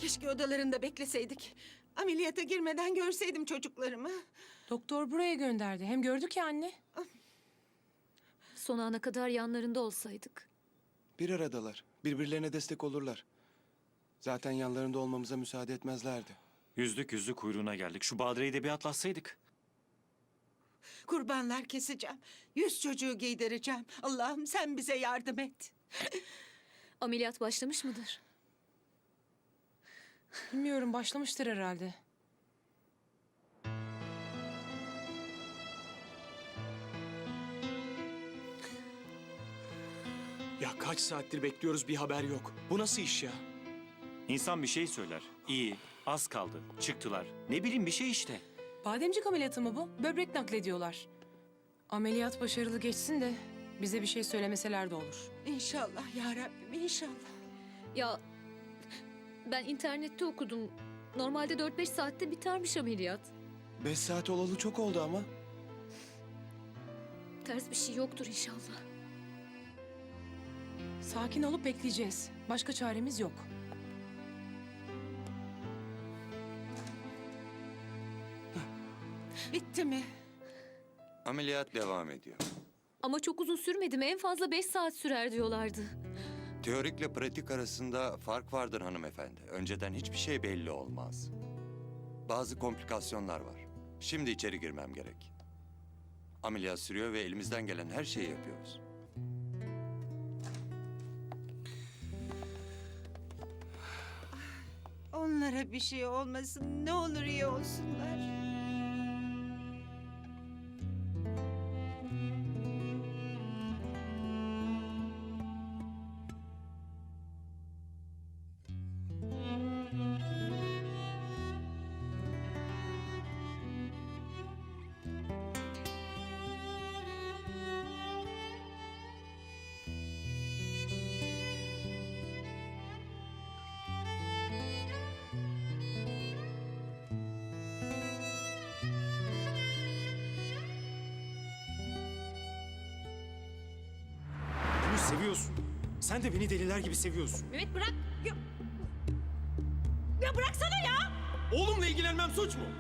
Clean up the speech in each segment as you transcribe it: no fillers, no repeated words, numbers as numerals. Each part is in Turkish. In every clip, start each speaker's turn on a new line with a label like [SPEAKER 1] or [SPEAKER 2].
[SPEAKER 1] Keşke odalarında bekleseydik. Ameliyata girmeden görseydim çocuklarımı.
[SPEAKER 2] Doktor buraya gönderdi. Hem gördük ya anne.
[SPEAKER 3] Son ana kadar yanlarında olsaydık.
[SPEAKER 4] Bir aradalar. Birbirlerine destek olurlar. Zaten yanlarında olmamıza müsaade etmezlerdi.
[SPEAKER 5] Yüzlük kuyruğuna geldik. Şu Badire'yi de bir atlatsaydık.
[SPEAKER 1] Kurbanlar keseceğim. 100 çocuğu giydireceğim. Allah'ım sen bize yardım et.
[SPEAKER 3] Ameliyat başlamış mıdır?
[SPEAKER 2] Bilmiyorum, başlamıştır herhalde.
[SPEAKER 6] Ya kaç saattir bekliyoruz, bir haber yok. Bu nasıl iş ya?
[SPEAKER 5] İnsan bir şey söyler. İyi, az kaldı. Çıktılar. Ne bileyim bir şey işte.
[SPEAKER 2] Bademcik ameliyatı mı bu? Böbrek naklediyorlar. Ameliyat başarılı geçsin de bize bir şey söylemeseler de olur.
[SPEAKER 1] İnşallah ya Rabbim, inşallah.
[SPEAKER 3] Ya ben internette okudum. Normalde 4-5 saatte bitermiş ameliyat.
[SPEAKER 4] 5 saat olalı çok oldu ama.
[SPEAKER 3] Ters bir şey yoktur inşallah.
[SPEAKER 2] Sakin olup bekleyeceğiz. Başka çaremiz yok.
[SPEAKER 1] Bitti mi?
[SPEAKER 7] Ameliyat devam ediyor.
[SPEAKER 3] Ama çok uzun sürmedi mi? En fazla 5 saat sürer diyorlardı.
[SPEAKER 7] Teorikle pratik arasında fark vardır hanımefendi. Önceden hiçbir şey belli olmaz. Bazı komplikasyonlar var. Şimdi içeri girmem gerek. Ameliyat sürüyor ve elimizden gelen her şeyi yapıyoruz.
[SPEAKER 1] Onlara bir şey olmasın. Ne olur iyi olsunlar.
[SPEAKER 6] Bunu seviyorsun. Sen de beni deliler gibi seviyorsun.
[SPEAKER 3] Mehmet bırak. Ya bıraksana ya.
[SPEAKER 6] Oğlumla ilgilenmem suç mu?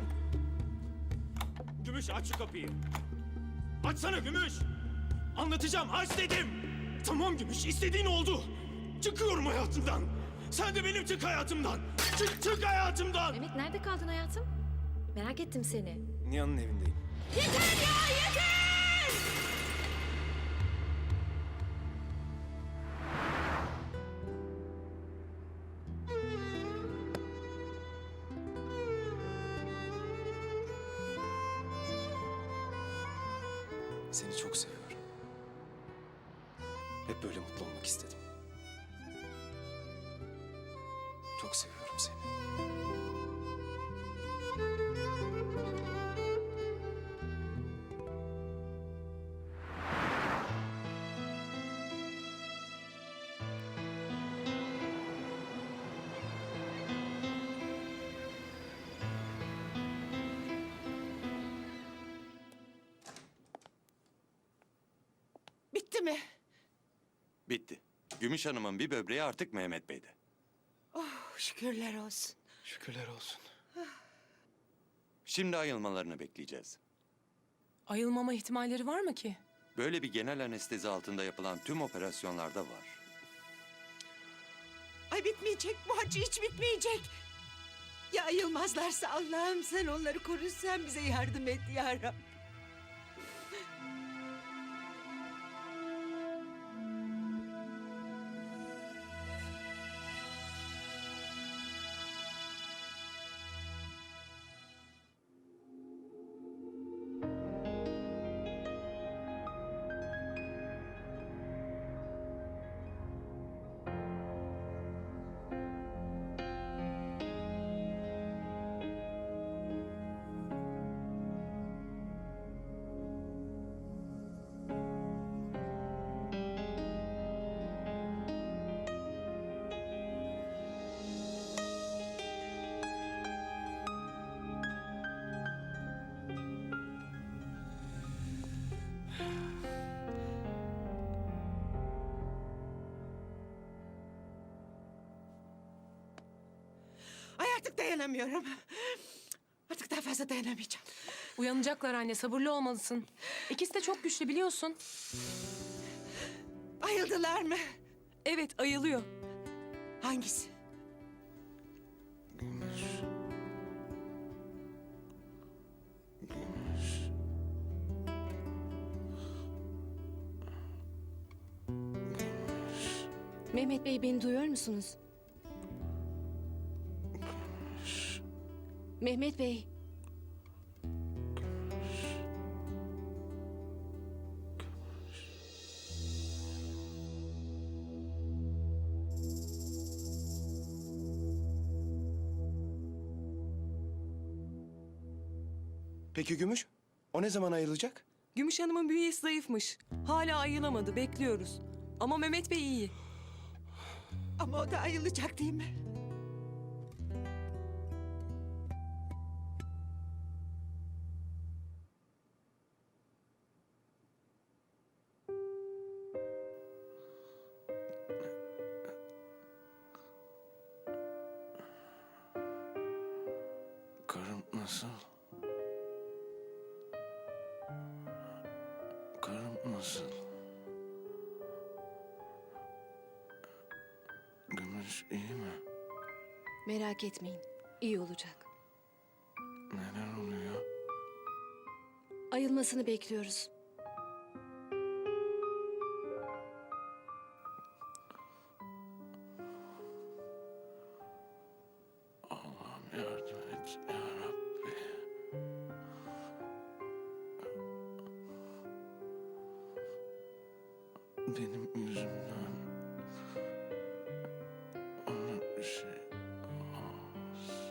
[SPEAKER 6] Gümüş, aç şu kapıyı. Açsana Gümüş. Anlatacağım, aç dedim. Tamam Gümüş, istediğin oldu. Çıkıyorum hayatından. Sen de benim çık hayatımdan. Çık hayatımdan.
[SPEAKER 3] Mehmet nerede kaldın hayatım? Merak ettim seni.
[SPEAKER 6] Nihan'ın evindeyim. Seni çok seviyorum. Hep böyle mutlu olmak istedim. Çok seviyorum seni.
[SPEAKER 1] Bitti mi?
[SPEAKER 7] Bitti. Gümüş Hanım'ın bir böbreği artık Mehmet Bey'de.
[SPEAKER 1] Şükürler olsun.
[SPEAKER 4] Şükürler olsun.
[SPEAKER 7] Şimdi ayılmalarını bekleyeceğiz.
[SPEAKER 2] Ayılmama ihtimalleri var mı ki?
[SPEAKER 7] Böyle bir genel anestezi altında yapılan tüm operasyonlarda var.
[SPEAKER 1] Ay bitmeyecek, bu acı hiç bitmeyecek. Ya ayılmazlarsa Allah'ım sen onları koru, sen bize yardım et ya Rabbim. Dayanamıyorum. Artık daha fazla dayanamayacağım.
[SPEAKER 2] Uyanacaklar anne, sabırlı olmalısın. İkisi de çok güçlü biliyorsun.
[SPEAKER 1] Ayıldılar mı?
[SPEAKER 2] Evet, ayılıyor.
[SPEAKER 1] Hangisi?
[SPEAKER 8] Mehmet Bey beni duyuyor musunuz? Mehmet Bey.
[SPEAKER 4] Peki Gümüş? O ne zaman ayılacak?
[SPEAKER 9] Gümüş Hanım'ın bünyesi zayıfmış. Hala ayılamadı, bekliyoruz. Ama Mehmet Bey iyi.
[SPEAKER 1] Ama o da ayılacak değil mi?
[SPEAKER 6] Karım nasıl? Karım nasıl? Gümüş iyi mi?
[SPEAKER 8] Merak etmeyin. İyi olacak.
[SPEAKER 6] Neler oluyor?
[SPEAKER 8] Ayılmasını bekliyoruz.
[SPEAKER 6] Allah'ım yardım et ya Rabbi. Benim yüzümden ona bir şey olmaz.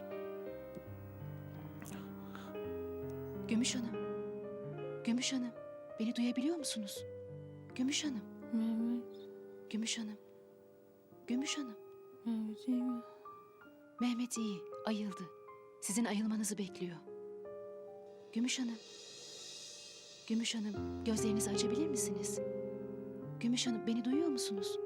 [SPEAKER 8] Gümüş Hanım. Gümüş Hanım. Beni duyabiliyor musunuz? Gümüş Hanım.
[SPEAKER 3] Mehmet,
[SPEAKER 8] Gümüş Hanım. Gümüş Hanım.
[SPEAKER 3] Mehmet iyi mi?
[SPEAKER 8] Mehmet iyi. Ayıldı. Sizin ayılmanızı bekliyor. Gümüş Hanım. Gümüş Hanım. Gözlerinizi açabilir misiniz? Gümüş Hanım beni duyuyor musunuz?